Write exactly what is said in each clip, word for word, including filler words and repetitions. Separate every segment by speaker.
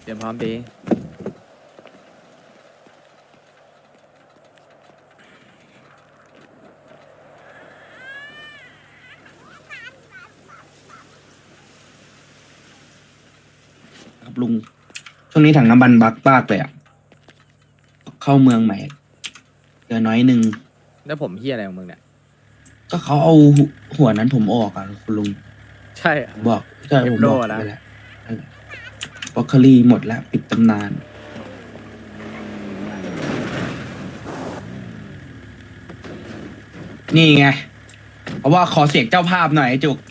Speaker 1: เตรียมพร้อมดี
Speaker 2: ครับลุงช่วงนี้ถังน้ำมันบักมากเลยอ่ะเข้าเมืองใหม่เจอน้อยหนึ่ง
Speaker 1: แล้วผมเฮียอะไรของมึงเนี่ย
Speaker 2: ก็เขาเอาหัวนั้นผมออกอ่ะคุณลุง
Speaker 1: ใช่อะ
Speaker 2: ผมบอกใช่ผมบอก
Speaker 1: เอฟโร่นะ
Speaker 2: ไปแล้วบล็อกเคอรี่หมดแล้ว ปิดตำนาน นี่ไง เพราะว่าขอเสียงเจ้าภาพหน่อยไอ้จุก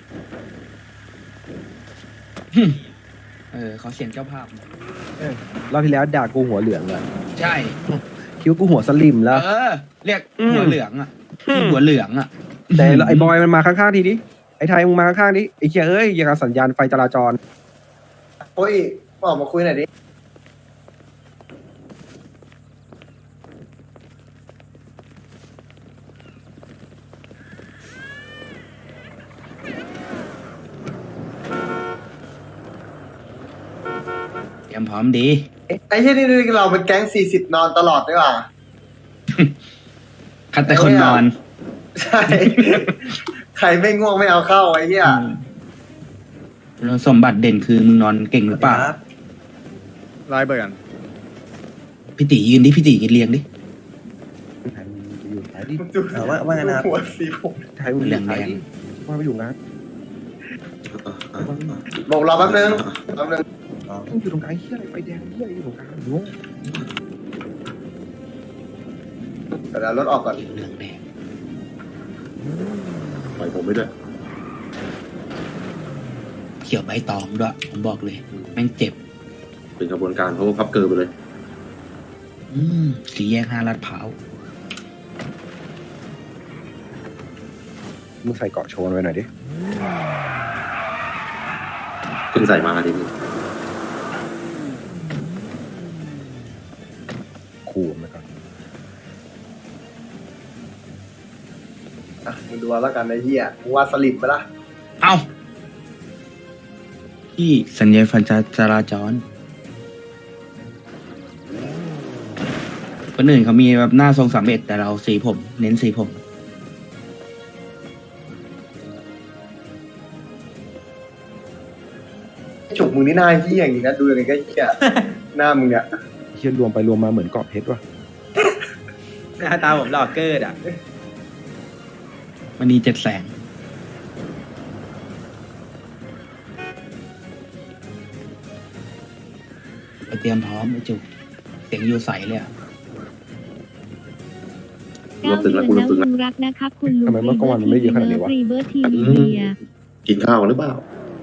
Speaker 2: หึเออขอเสียงเจ้าภาพหน่อย
Speaker 3: รอบที่แล้วด่ากูหัวเหลืองเลย
Speaker 2: ใช่
Speaker 3: คิดวากูหัวสลิมแล้ว
Speaker 2: เออ เรียก
Speaker 3: อืม
Speaker 2: หัวเหลืองอ่ะหัวเหลืองอ่ะ
Speaker 3: แต่ไอ้บอยมันมาข้างๆทีดิไอ้ไทยมึงมาข้างๆดิไอ้เคียเอ้ยอย่างกับสัญญาณไฟจราจร
Speaker 4: โอ้ยออกมาคุยหน่อยดิ
Speaker 2: เตรียมพร้อมดี
Speaker 4: ไอ้ที่นี่เราเป็นแก๊งสี่สิบนอนตลอดด้วยว่ะ
Speaker 2: คัดแต่คนนอน
Speaker 4: ใช่ ใครไม่ง่วงไม่เอาเข้าไอ้เหี้ย
Speaker 2: แล้วสมบัติเด่นคือมึงนอนเก่งหรือเปล่า
Speaker 1: ร้อยเบิร์กัน
Speaker 2: พี่ตียืนดิ พี่ตียืนเรียงดิ
Speaker 3: ไทยมึงไปอยู่ไหนดิ
Speaker 4: ดู
Speaker 5: เออว่าว่าไงนะครับ
Speaker 4: หัวสีผม
Speaker 3: ไทยมึงอยู่ไหนดิว่าไปอยู่งาน
Speaker 4: บอกเราแป๊บนึงแป๊บนึง
Speaker 3: ต้องอยู่ตรงกลางเฮียอะไรไฟแดงเฮียอะไรอยู่ตรงกลางอยู่
Speaker 4: เดี๋ยวรถออกก่อน
Speaker 2: เหลืองแดง
Speaker 6: ปล่อยผมไปด้วย
Speaker 2: เขียวใบตองด้วย ผมบอกเลย แม่งเจ็บ
Speaker 6: เป็นกระบวนการเขาก็พับเกินไปเลย
Speaker 2: อืมสีแยกห้าลาดพร้าว
Speaker 3: มึงใส่เกาะโชว์ไว้หน่อยดิ
Speaker 6: เพิ่งใส่มาทีนี้
Speaker 3: ขู่มันก่อน
Speaker 4: อ่ะมึงดูเอาแล้วกันไอ้เหี้ยมึงว่าสลิปไปละ
Speaker 2: เอ้า ที่สัญญาณไฟจราจรคนอื่นเขามีแบบหน้าทรงสามเอ็ดแต่เราสีผม เน้นสีผม
Speaker 4: ฉุกมึงนี่หน้าเหี้ยอย่างนี้นะดูยังไงก็เหี้ย หน้ามึงเนี่ย
Speaker 3: เฮียรวมไปรวมมาเหมือนเกาะเพชรว่ะ
Speaker 5: หน้าตาผมหล่อเกิดอ่ะ
Speaker 2: มันนีเจ็ดแสงไปเตรียมพร้อมไอ้จุก เสียงอยู่ใสเลยอะ
Speaker 6: รวบตึงแล้วกูรวบตึงแล้ว
Speaker 7: ลุงรักนะครับคุณลุง
Speaker 3: ทำไมเมื่อก่อนมันไม่เยอะขนาดนี้วะ
Speaker 7: รีเบิร์ทีวีเบีย
Speaker 6: กินข้าวกันหรือเปล่า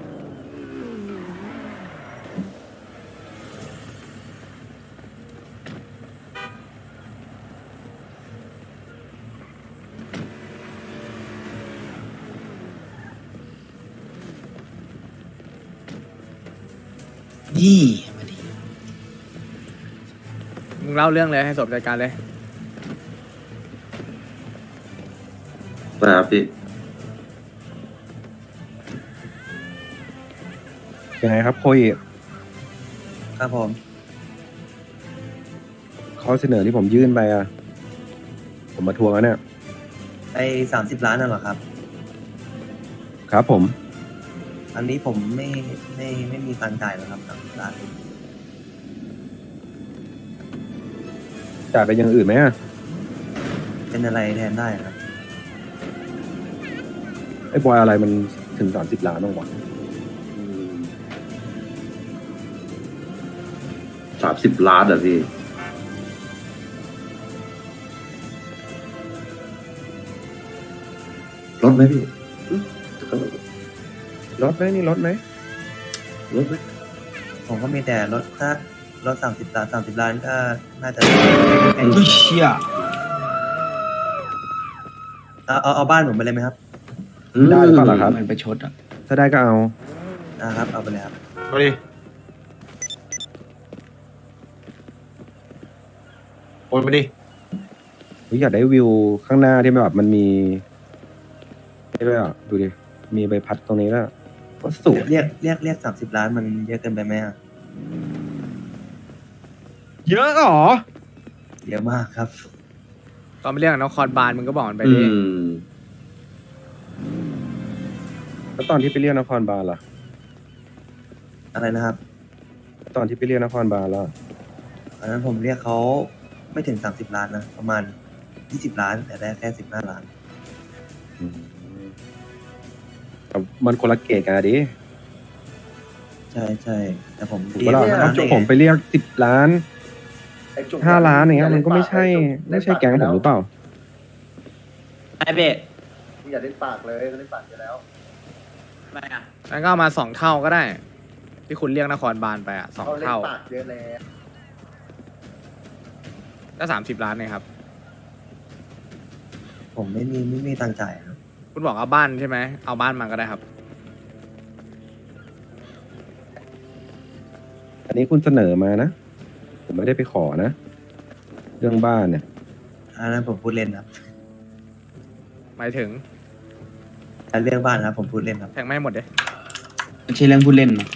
Speaker 2: นี่มาดี
Speaker 1: มึงเล่าเรื่องเลยให้สมจัดการเลย
Speaker 6: นะครับพี่
Speaker 3: ยังไงครับโคย
Speaker 5: ครับผม
Speaker 3: ข้อเสนอที่ผมยื่นไปอ่ะ ผมมาทวงแล้วเนี่ย
Speaker 5: ไอ้สามสิบล้านน่ะเหรอครับ
Speaker 3: ครับผม
Speaker 5: อันนี้ผมไม่ไม่ไม่มีตังค์จ่ายแล้วครับสามสิบล้าน
Speaker 3: จ่ายไปอย่างอื่นไหมอ่ะ
Speaker 5: เป็นอะไรแทนได้ครับ
Speaker 3: ไอ้บอยอะไรมันถึงสามสิบล้านบ้างวะ
Speaker 6: สามสิบล้านอ่ะพี่ ลดไหมพี่อืม
Speaker 3: ลดไหมนี่ลดไหม
Speaker 6: ลดไหม
Speaker 5: ผมก็มีแต่รถถ้ารถสามสิบล้านสามสิบล้านก็น่าจะ
Speaker 2: เฮ้ยเชี่ย
Speaker 5: เอาเอาเอาบ้านผมไปเลยไหมครับ
Speaker 3: ได้หรือเปล่าล่ะครับ
Speaker 2: มันไปชดอ่ะ
Speaker 3: ถ้าได้ก็เอา
Speaker 5: นะครับ เอาไปเลยครับ
Speaker 6: เอาดิโอนไปดิ
Speaker 3: ผมอยากได้วิวข้างหน้าที่แบบมันมีนี่ด้วยอ่ะ ดูดิ มีใบพัดตรงนี้แล้วก็สวย
Speaker 5: เรียกเรียกเรียกสามสิบล้านมันเยอะเกินไปไหมอะ
Speaker 3: เยอะเหรอ
Speaker 5: เยอะมากครับ
Speaker 1: ตอนไปเรียกนครบาลมึงก็บอกมันไป
Speaker 6: อื
Speaker 1: ดิ
Speaker 6: ม
Speaker 3: แล้วตอนที่ไปเรียกนครบาลล่ะ
Speaker 5: อะไรนะครับ
Speaker 3: ตอนที่ไปเรียกนครบาลล่ะ
Speaker 5: อันนั้นผมเรียกเขาไม่ถึงสามสิบล้านนะ ประมาณยี่สิบล้าน แต่ได้แค่สิบห้าล้าน
Speaker 3: อืมแต่มันคนละเกตกันอะดิ
Speaker 5: ใช่ใช่แต่ผม
Speaker 3: ถูก
Speaker 5: เรีย
Speaker 3: ปะ
Speaker 5: ก
Speaker 3: ล่ะ
Speaker 5: มา
Speaker 3: ถ้าผมไปเรียกสิบล้าน
Speaker 4: ไอ้จุก
Speaker 3: ห้าล้านอย่างเงี้ย
Speaker 4: ล่
Speaker 3: มันก็ไม่ใช่
Speaker 4: ปา
Speaker 3: ไม่ใช่แก๊งผมหรือเปล่า
Speaker 8: ไอเบะ
Speaker 4: มึงอย่าเล่นปากเลยเล่นปากไปแล้ว
Speaker 8: ไม่อะ
Speaker 1: งั้นก็เอามาสองเท่าก็ได้ ที่คุณเรียกนครบาลไปอ่ะสอง
Speaker 4: เขาเล่น
Speaker 1: เท่า
Speaker 4: ปากเยอะแล้ว
Speaker 1: ก็สามสิบล้านเนี่ยครับ
Speaker 5: ผมไม่มีไม่มีตังค์จ่ายครับ
Speaker 1: คุณบอกเอาบ้านใช่ไหมเอาบ้านมาก็ได้ครับ
Speaker 3: อันนี้คุณเสนอมานะ ผมไม่ได้ไปขอนะ เรื่องบ้านเนี่ย
Speaker 5: อันนั้นผมพูดเล่นครับ
Speaker 1: หมายถึง
Speaker 5: แต่เรื่องบ้านนะครับผมพูดเล่นครับ
Speaker 1: แทงไม่ให้หมดเลย
Speaker 2: ไม่ใช่เรื่องพูดเล่นนะ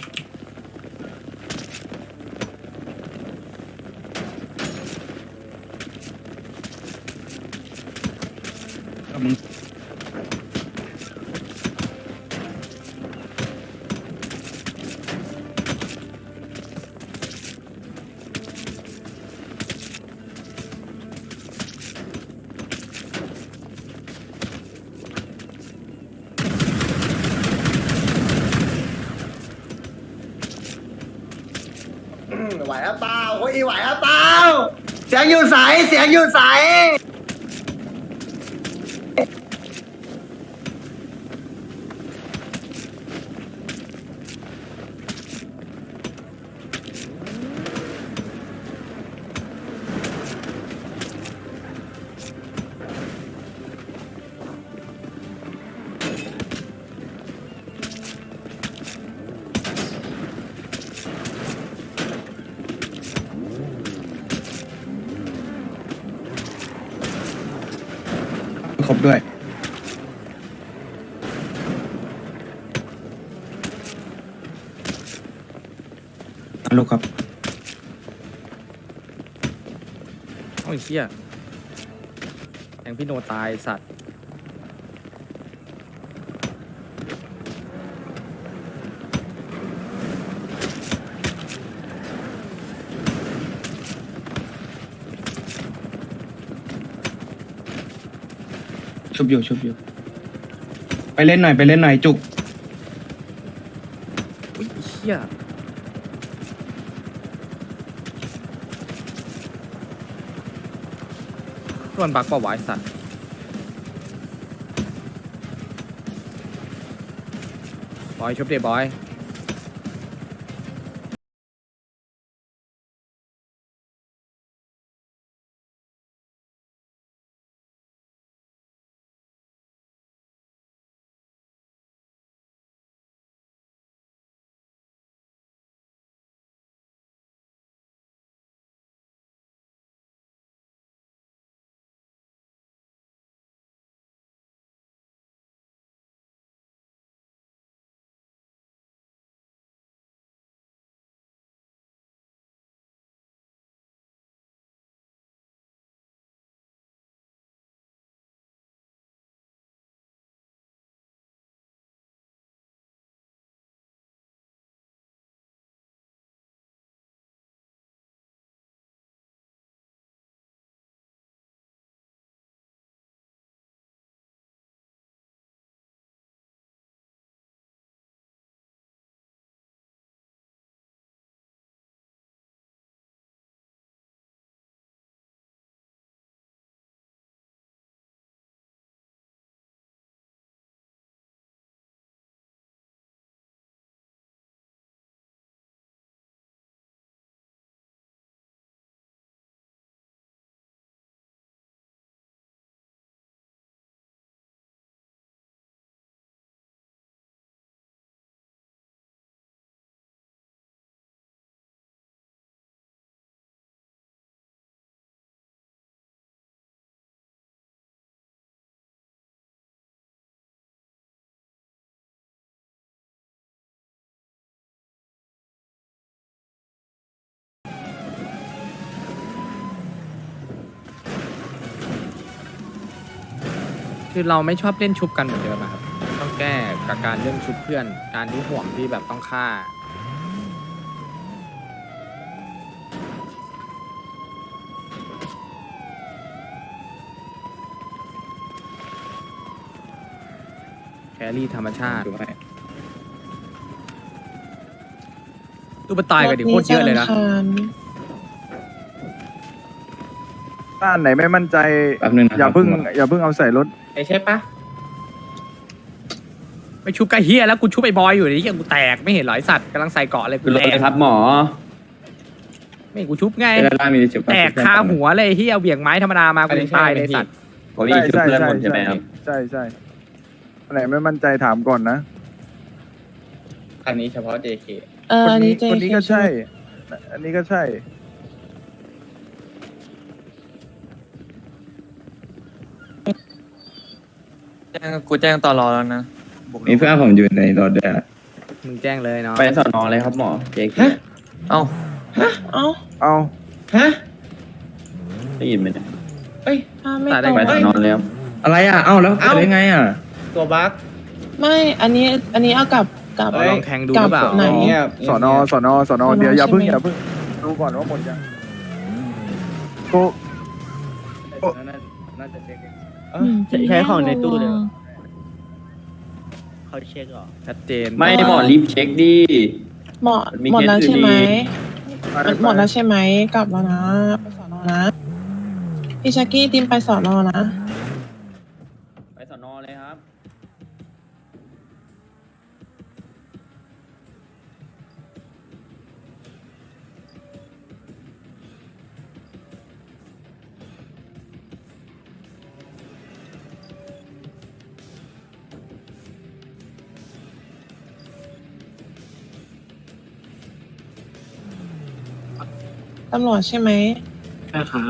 Speaker 2: ก็มึง
Speaker 4: อืมไหวหรือเปล่าโอ้ยไหวหรือเปล่าเสียงอยู่ใสเสียงอยู่ใส
Speaker 2: ครบด้วยฮัลโหลครับ
Speaker 1: โอ้ยเชี่ยแทงพี่โนตายสัตว์
Speaker 2: ชุบอยู่ชุบอยู่ ไปเล่นหน่อยไปเล่นหน่อยจุก
Speaker 1: อุ้ยเชี่ยส่วนบักเปล่าวะไอ้สัตว์ บอยชุบเดบอยคือเราไม่ชอบเล่นชุบกันเหมือนเดิมอะครับต้องแก้กับการเรื่องชุบเพื่อน การที่ห่วงที่แบบต้องฆ่าแครี่ธรรมชาติตู้ปตายกันดิโคตรเยอะเลยนะ
Speaker 9: บ้านไหนไม่มั่นใจ
Speaker 2: แป๊บนึงนะ
Speaker 9: อย่าเพิ่งอย่าเพิ่งเอาใส่รถ
Speaker 1: ใช่ปะไม่ชุบไก่เฮียแล้วกูชุบไอ้บอยอยู่นี่ยังกูแตกไม่เห็นหรอไอสัตว์กำลังใส่เกาะเลยกูแตก
Speaker 2: ครับหมอ
Speaker 1: ไม่กูชุบไง
Speaker 2: ด้านล่างมีจุด
Speaker 1: แตกคาหัวเลยเฮียเหวี่ยงไม้ธรรมดามากูยังตายเลยไอ้สัตว์
Speaker 9: ใช่ใช่ใช่ใช่ใช่ใช่อันไหนไม่มั่นใจถามก่อนนะ
Speaker 2: อันนี้เฉพาะ เจ เค
Speaker 10: เออ
Speaker 9: คน
Speaker 10: อัน
Speaker 9: นี้
Speaker 10: นี้เจ
Speaker 9: คนนี้ก็ใช่ อันนี้ก็ใช่
Speaker 8: กูแจ้งตอรอแล้วนะ
Speaker 2: มีเพื่อนผมอยู่ในรถด้วย
Speaker 1: มึงแจ้งเลยเนาะ
Speaker 2: ไปสอนอเลยครับหมอ เจ เค
Speaker 8: เอ้า
Speaker 10: เอ้า
Speaker 9: เอา
Speaker 2: ได้ยินไหมเนี่ย
Speaker 10: ถ้าไม่
Speaker 1: ตัด
Speaker 10: ต
Speaker 1: ได้
Speaker 10: รง
Speaker 1: ไหม
Speaker 2: ไปสอนอแล้วอะไรอ่ะเอ้าแล้วเกิดได้ไงอ่ะ
Speaker 8: ตัวบั๊ก
Speaker 10: ไม่ อันนี้ อันนี้เอากลับกลับ
Speaker 1: เราลองแทงดูห
Speaker 10: กลั
Speaker 1: รือเปล่า
Speaker 10: ไหน
Speaker 9: สอนอสอนอสอนอ
Speaker 10: สอนอ
Speaker 9: เดี๋ยวอย่าเพิ่ง
Speaker 10: ใช่ไหม
Speaker 9: อย่าเพิ่งดูก่อนว่าหมดยังโก
Speaker 2: น่าจะเช็ค
Speaker 10: อืม
Speaker 8: ใช้ของในตู้เดี๋ยวเขาเช็คเหรอ
Speaker 1: ชัดเจน
Speaker 2: ไม่หมอรีบเช็คดิ
Speaker 10: หมด
Speaker 2: มี
Speaker 10: หมดแล้ว
Speaker 2: เคสอยู่
Speaker 10: ใช่ไหม
Speaker 2: ดี
Speaker 10: มันหมดแล้วใช่ไหมกลับแล้วนะไปสอนอนะพี่ชักกี้ติมไปสอนอนะ
Speaker 2: ไปสอนอเลยครับ
Speaker 10: ตำรวจใช่ไหม
Speaker 2: ใช่ครับ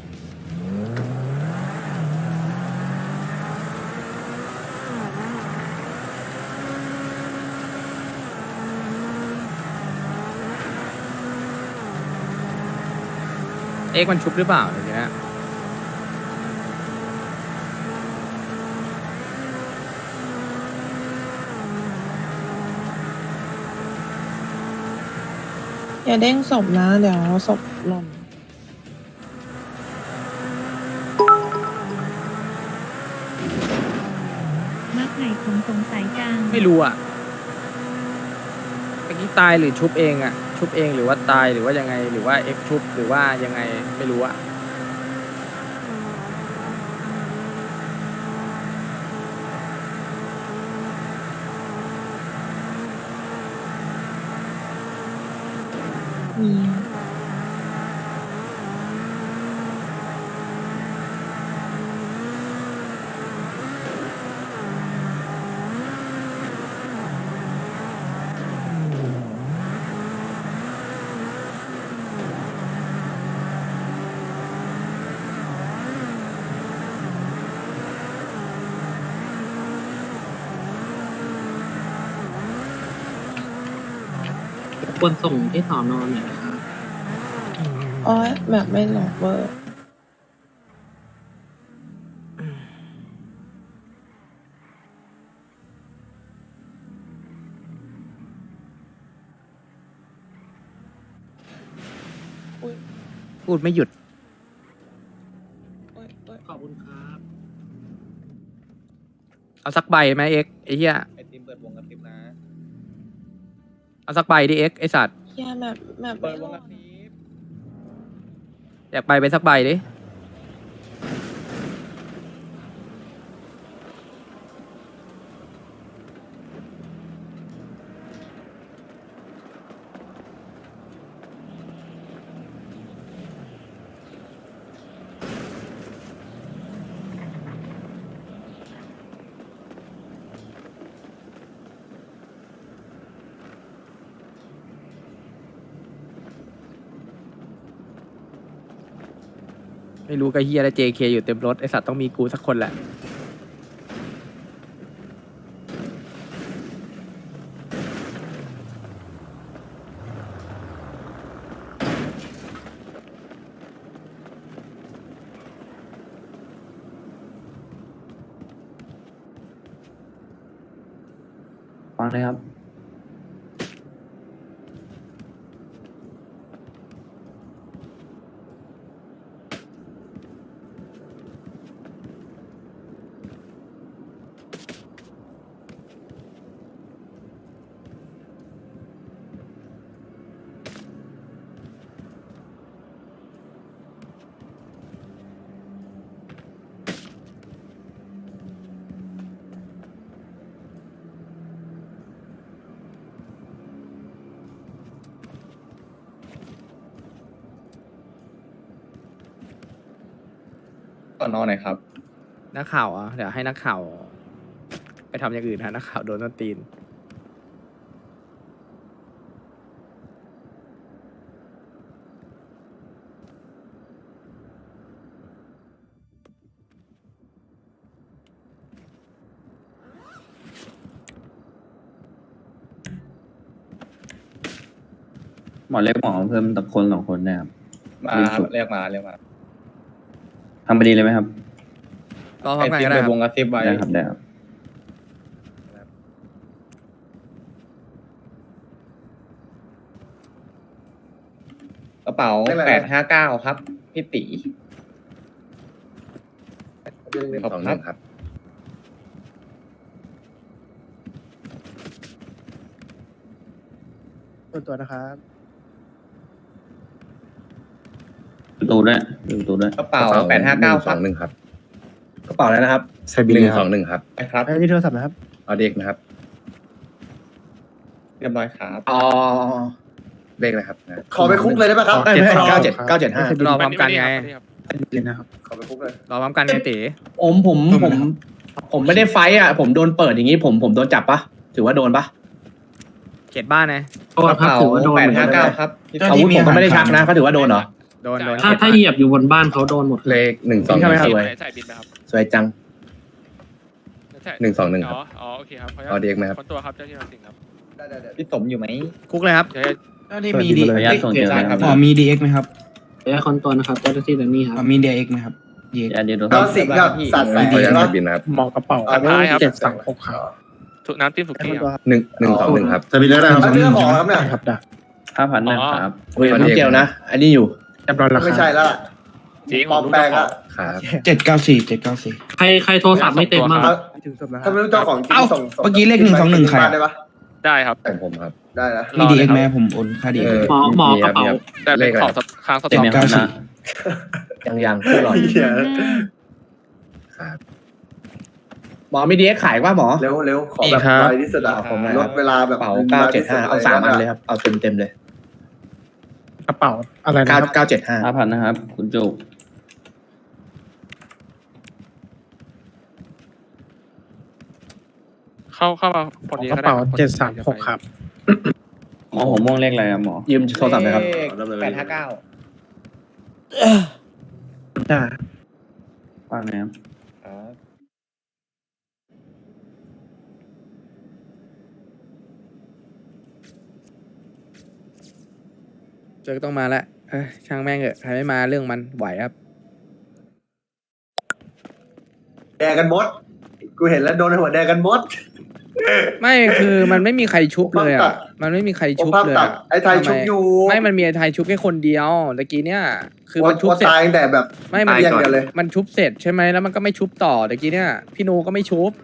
Speaker 1: เอ็กซ์มันชุบหรือเปล่าเดี๋ยวนี้
Speaker 10: อย่าเด้งศพนะ เดี๋ยวศพหล่น
Speaker 7: มักไหนผมสงสัยจัง
Speaker 1: ไม่รู้อ่ะเมื่อกี้ตายหรือชุบเองอ่ะ ชุบเองหรือว่าตายหรือว่ายังไงหรือว่าเอ็กซ์ชุบหรือว่ายังไงไม่รู้อ่ะ
Speaker 10: มี
Speaker 2: ควรส่งที่สอนอหน่อยนะครับ
Speaker 10: อ๋อแบบไม่หลอกเวอร์ อุ้ย
Speaker 1: พูดไม่หยุด
Speaker 10: อุ้ยอุ้ย
Speaker 2: ขอบคุณครับ
Speaker 1: เอาสักใบไหมเอ็กซ์ไอ้เหี้ย
Speaker 2: ไอติมเปิดวงกระพริบนะ
Speaker 1: เอาสักใบดิเอ็กซ์ไอ้สัตว์
Speaker 10: เฮียแบบแบบไม่หลอก
Speaker 1: อยากไปไปสักใบดิ ไม่รู้กับเฮียและ เจ เค อยู่เต็มรถไอสัตว์ต้องมีกูสักคนแหละ
Speaker 8: างเลยครับ ต่อนอนไหนครับ
Speaker 1: นักข่าวอ่ะเดี๋ยวให้นักข่าว ไปทำอย่างอื่นฮะนักข่าวโดนต้นตีน
Speaker 8: หมอเรียกหมอเพิ่มตับคนสองคนนะครับ
Speaker 11: มาเรียกมาเรียกมา
Speaker 8: ทำไปดีเลยไหมครับ
Speaker 1: รอพร้อมกันก็ได้
Speaker 11: ไป
Speaker 1: คว รับ
Speaker 11: งกระซิบไว้
Speaker 8: ได้ครับได้ครับ
Speaker 11: กระเป๋าแปดห้าเก้าครับ พี่ตีขอบคุณครับ
Speaker 9: ส่วนตัวนะครับ
Speaker 8: ประตูด้วยประตูด้วย
Speaker 11: กระเป๋าแปดห้าเก้าสองหนึ่งครับ กระเป๋าอะไรนะครับใส่บินหนึ่งสองหนึ่งครับครับ
Speaker 9: ไอ้ที่โทรศัพท์นะครับ
Speaker 11: เอาเด็กนะครับ เรียบร้อยครับ
Speaker 4: อ๋อ
Speaker 11: เลขนะครับ
Speaker 4: ขอไปคุกเลยได้ไหมครับ
Speaker 11: เจ็ดเก้าเจ็ดเก้าเจ็ดห้าร
Speaker 1: อพร้อมกันไง
Speaker 4: ขอไปคุกเลย
Speaker 1: รอพร้อมกันไงตี
Speaker 11: ผมผมผมผมไม่ได้ไฟอ่ะ ผมโดนเปิดอย่างนี้ผมผมโดนจับปะถือว่าโดนปะ
Speaker 1: เขตบ้านไง
Speaker 11: กระเป๋าแปดห้าเก้าครับอาวุธผมก็ไม่ได้ชักนะเขาถือว่าโดนเหรอ
Speaker 1: โดนโดน
Speaker 8: ถ้าถ้าเหยียบอยู่บนบ้านเขาโดนหมด
Speaker 11: เลขหนึ่งสอง
Speaker 1: ใช่ไหมครับ
Speaker 11: สวยสวยจังหนึ่งสองหนึ่งครับ
Speaker 12: อ๋อโอเคครับ
Speaker 11: เอาเด็กไหมครับ
Speaker 12: คนตัวครับเจ้าที่เราสิงครับ
Speaker 4: ได้ได้ได้
Speaker 11: พี่สมอยู่ไหม
Speaker 1: คุกเลยครับ
Speaker 12: เดี๋ยว
Speaker 2: เจ้าที่มีดี
Speaker 8: ขออนุญาตส่งเจอนะครับ
Speaker 2: อ๋อมีดีเอ็กไหมครับ
Speaker 8: ขออนุญาตคนตัวนะครับเจ้าหน้าที่แดนนี่ครับ
Speaker 2: อ๋อมีดีเอ็กไหมครับดีเอ็ก
Speaker 8: อย่าเดี๋ยวดูค
Speaker 4: ก็
Speaker 8: รับ
Speaker 4: สิ่งกับสัตว์ใส่
Speaker 11: ขออนุญาต
Speaker 4: เนาะ
Speaker 11: บินนะครับ
Speaker 9: หมอกระเป๋า
Speaker 4: เอา
Speaker 12: ท้ายครับ
Speaker 9: เจ็ดสามหกครับ
Speaker 12: ถูกน้ำจิ้มสุ
Speaker 9: ให้
Speaker 12: กี้
Speaker 9: คน
Speaker 12: ค
Speaker 9: ตัว
Speaker 12: รับ
Speaker 9: ครับ
Speaker 11: หนึ่งหนึ่งสองหนึ่งครับ
Speaker 6: สบินแล้วนะครับ
Speaker 4: เอาเรื่องของแล้วครับเนี่ย
Speaker 9: ครับได้
Speaker 8: ห้าพันนะครับ
Speaker 11: เฮ้ยน้ำเจลนะ อันนี้อยู่
Speaker 9: เรียบร้อยแล้วครับ
Speaker 4: ไม่ใช่แล้วล่ะ
Speaker 12: จริง
Speaker 4: ปลอมแปลงอะ
Speaker 11: ครับ
Speaker 2: เจ็ดเก้าสี่เจ็ดเก้าสี่
Speaker 8: ใครใครโทรศัพท์ไม่เต็มบ้าง
Speaker 4: เอา
Speaker 9: ถึงศพแล้วค
Speaker 4: ถ้า
Speaker 9: รับ
Speaker 4: ไม่รู้เจ้าของจริง
Speaker 2: เอ้า
Speaker 4: ส่งส่
Speaker 2: เมื่อกี้เลขหนึ่งสองหนึ่งใคร
Speaker 4: บ้านได้ปะ
Speaker 12: ได้ครับ
Speaker 11: ผมผมครับ
Speaker 4: ได้นะ
Speaker 2: มีดีเอ็กไหมผมโอนค่าดีเอ็ก
Speaker 8: หมอหมอกระเป๋า
Speaker 12: แต่เป็นของสค้างส
Speaker 8: เต็ม
Speaker 12: ต็อก
Speaker 8: ไหมครับนะ
Speaker 11: ยังยังคือหลอด
Speaker 4: เหี้ย
Speaker 11: ครับหมอมีดีเอ็กขายป่ะหมอ
Speaker 4: เร็วเร็วขอแบบ
Speaker 11: ครับ
Speaker 4: ไวที่สุดอะ
Speaker 11: ขอบคุณครับ
Speaker 4: ลดเวลาแบบ
Speaker 11: เป๋าเก้าเจ็ดห้าเอาสามอันเลยครับ เอาเต็มเต็มเลย
Speaker 9: กระเป๋าอะไรนะค
Speaker 11: เก้า
Speaker 9: รับ
Speaker 11: เก้าเจ็ดห้า
Speaker 8: ห้าพันนะครับ คุณจุก
Speaker 12: เข้าเข้ามาพอดี
Speaker 9: กระ
Speaker 12: ก็ได้
Speaker 9: เป๋า
Speaker 12: ครับ
Speaker 9: เจ็ดสามหกครับ
Speaker 8: หมอผมม่วงเลขอะไรครับหมอ
Speaker 11: ยืมโทรศัพท์หน่อยครับแปดห้าเก้า
Speaker 9: ได้
Speaker 8: ฟังนะครับ
Speaker 1: เจอก็ต้องมาแล้วเอ้ยช่างแม่งเถอะใครไม่มาเรื่องมันไหวครับ
Speaker 4: แดงกันหมด กูเห็นแล้วโดนหัวแดงกันหมด
Speaker 1: ไม่คือมันไม่มีใครชุบเลย
Speaker 4: โอภาพตั
Speaker 1: อ่ะ
Speaker 4: ด
Speaker 1: มันไม่มีใคร
Speaker 4: โอ
Speaker 1: ชุบ
Speaker 4: ภาพ
Speaker 1: เลย
Speaker 4: ตัด
Speaker 1: อะ
Speaker 4: ไอ้ไทย
Speaker 1: ทำ
Speaker 4: ชุบอยู่
Speaker 1: ไม่มันมีไอ้ไทยชุบแค่คนเดียวตะกี้เนี่ยคือมันชุบ
Speaker 4: ว่า
Speaker 1: เสร็จ
Speaker 4: ตายตั้งแต่แบบ
Speaker 1: ไม่มัน
Speaker 4: ตายอย่างเดียวเลย
Speaker 1: มันชุบเสร็จใช่ไหมแล้วมันก็ไม่ชุบต่อตะกี้เนี่ยพี่โนก็ไม่ชุบ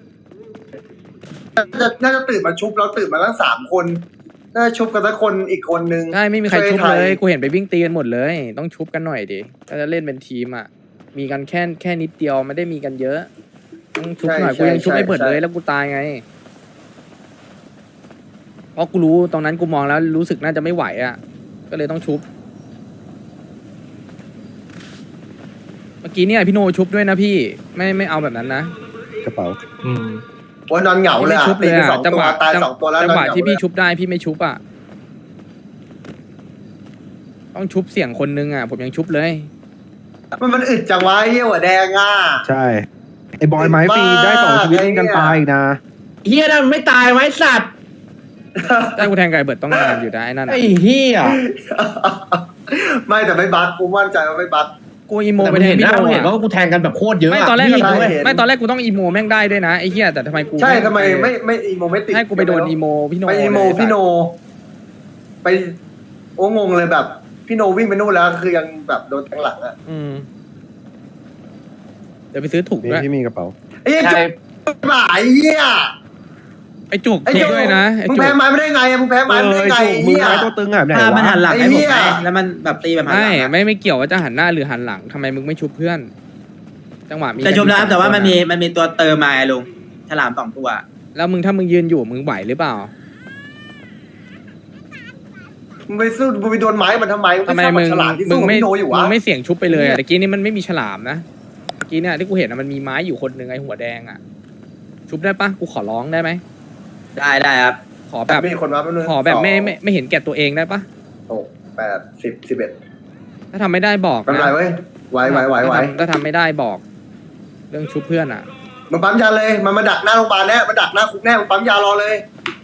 Speaker 4: น่าจะน่าจะตื่นมาชุบแล้วตื่นมาตั้งสามคนน่าจะชุบกันสักคนอีกคนนึง
Speaker 1: ใช่ไม่มีใคร
Speaker 4: ช่วย
Speaker 1: ชุบ
Speaker 4: ไทย
Speaker 1: เลยกูเห็นไปวิ่งตีกันหมดเลย ต้องชุบกันหน่อยดิถ้าจะเล่นเป็นทีมอ่ะมีกันแค่แค่นิดเดียวไม่ได้มีกันเยอะต้องชุบหน่อยกูยังชุบไม่เปิดเลยแล้วกูตายไงเพราะกูรู้ตรงนั้นกูมองแล้วรู้สึกน่าจะไม่ไหวอ่ะก็เลยต้องชุบเมื่อกี้เนี่ยพี่โนชุบด้วยนะพี่ไม่ไม่เอาแบบนั้นนะ
Speaker 3: กระเป๋า
Speaker 4: โอ้ยนอนเหงาเลย
Speaker 1: ไม่
Speaker 4: อะ
Speaker 1: ชุบเลย
Speaker 4: ตีไป
Speaker 1: อ่ะ
Speaker 4: สอง
Speaker 1: จัง
Speaker 4: ตั
Speaker 1: ห
Speaker 4: ว
Speaker 1: วะ
Speaker 4: ตาย
Speaker 1: จัง
Speaker 4: สองตัวแล้ว
Speaker 1: จังหวะ
Speaker 4: นอนเา
Speaker 1: ที่พี่
Speaker 4: เลย
Speaker 1: ชุบได้พี่ไม่ชุบอ่ะต้องชุบเสียงคนนึงอ่ะผมยังชุบเลย
Speaker 4: มันมันอึดจังวะไอ้เหี้ยหัวแดงอ่ะ
Speaker 3: ใช่ ไอ้บอยไม้ฟรีได้สองชีวิตนี่กันตายอีกนะ
Speaker 11: เฮียนั่นไม่ตายไว้สัตว์
Speaker 1: ได้กูแทงไก่เบิดต้องนานอยู่นะไอ้นั่น
Speaker 11: ไอ้
Speaker 1: อะ
Speaker 11: เฮีย
Speaker 4: ไม่แต่ไม่บักกูมั่นใจว่าไม่บัก
Speaker 1: กกูอีโม
Speaker 11: แต่
Speaker 1: ไป
Speaker 11: มึง
Speaker 1: แท
Speaker 11: เห็
Speaker 1: น
Speaker 11: น
Speaker 1: พี่
Speaker 11: นะ
Speaker 1: โน
Speaker 11: มึงเห็น
Speaker 1: อะ
Speaker 11: ว่ากูแทงกันแบบโคตรเยอะ
Speaker 1: ไม่
Speaker 11: อะ
Speaker 1: ตอนแรก
Speaker 11: พี่
Speaker 1: กู
Speaker 4: ใช่
Speaker 1: ไม่ตอนแรกกูต้องอีโมแม่งได้ด้วยนะไอ้เหี้ยแต่ทำไมกู
Speaker 4: ใช่ทำไมไม่ไม่อีโมไม่ติด
Speaker 1: ให้กูไปโดนอีโมพี่โน
Speaker 4: ไปอีโม
Speaker 1: เลย
Speaker 4: พี่โน ไปโอ้งงเลยแบบพี่โนวิ่งไปนู่นแล้วคือยังแบบโดนแทงหลังอะ
Speaker 1: อืมเดี๋ยวไปซื้อถุง
Speaker 3: นี่
Speaker 1: ด้วย
Speaker 3: พี่มีกระเป๋า
Speaker 4: ไอ้เหี้ย
Speaker 11: ใช่
Speaker 4: จุกหมาไอ้เหี้ย
Speaker 1: ไอ้จุก
Speaker 4: ไอ้
Speaker 1: จุ
Speaker 4: จุ
Speaker 1: ก
Speaker 4: ก
Speaker 1: ด้วยนะไอ้
Speaker 4: มึง
Speaker 1: จุก
Speaker 4: แพ้ไม้ไม่ได้ไงอะมึงแพ้ไม้ไม่ได้ไง
Speaker 3: เออ
Speaker 4: ไอ้
Speaker 3: มือ
Speaker 4: เหี้ย
Speaker 3: ไม้ตัวตึงอ่ะไหน
Speaker 5: ถ้ามัน
Speaker 3: วะ
Speaker 5: หันหลัง
Speaker 4: ไอ้
Speaker 5: ให้ผม
Speaker 4: เหี้ย
Speaker 5: ไหมแล้วมันแบบตีแบบหันหลั
Speaker 1: ไม่
Speaker 5: งอะ
Speaker 1: ไม่ไม่เกี่ยวว่าจะหันหน้าหรือหันหลังทำไมมึงไม่ชุบเพื่อน จังหวะมี
Speaker 5: แต่ชมแล้วครับ
Speaker 1: กั
Speaker 5: แต่ว่ามัน
Speaker 1: สองค
Speaker 5: มี
Speaker 1: อะ
Speaker 5: มันมีตัวเติมมาไงลุงฉลามสองตัว
Speaker 1: แล้วมึงถ้ามึงยืนอยู่มึงไหวหรือเปล่า
Speaker 4: มึงไปสู้มึงไปโดนไม้มันทำไม
Speaker 1: ทำไม
Speaker 4: ง
Speaker 1: มึง
Speaker 4: ฉลาดที่
Speaker 1: มึ
Speaker 4: สู้
Speaker 1: ง
Speaker 4: กับ
Speaker 1: ไม่
Speaker 4: พี่โนอยู่
Speaker 1: มึ
Speaker 4: วะ
Speaker 1: งไม่เสี่ยงชุบไปเลยอะ
Speaker 4: เนี่ย
Speaker 1: ตะกี้นี่มันไม่มีฉลามนะเมื่อกี้เนี่ยที่กูเห็นอะมันมีไม้อยู่คนหนึ่งไอ้หัวแดงอะชุบได้ปะกูขอร้องได้ไหม
Speaker 5: ได้ได้ครับ
Speaker 1: ขอแบบ
Speaker 4: มีคนมาแป๊บนึง
Speaker 1: ขอแบบไม่
Speaker 4: สง
Speaker 1: ไม่ไม่เห็นแก่ตัวเองได้ปะ
Speaker 4: หกแปดสิบสิบเอ็ด
Speaker 1: ถ้าทำไม่ได้บอก
Speaker 4: ไม่เป็นไร
Speaker 1: นะ
Speaker 4: เว้ยไหวไหวไหวไหว
Speaker 1: ถ้าทำถ้าทำไม่ได้บอก เรื่องชุบเพื่อนอะ
Speaker 4: มันปั๊มยาเลยมันมาดักหน้าโรงพยาบาลแน่มันดักหน้าคุกแน่มันปั๊มยารอเลย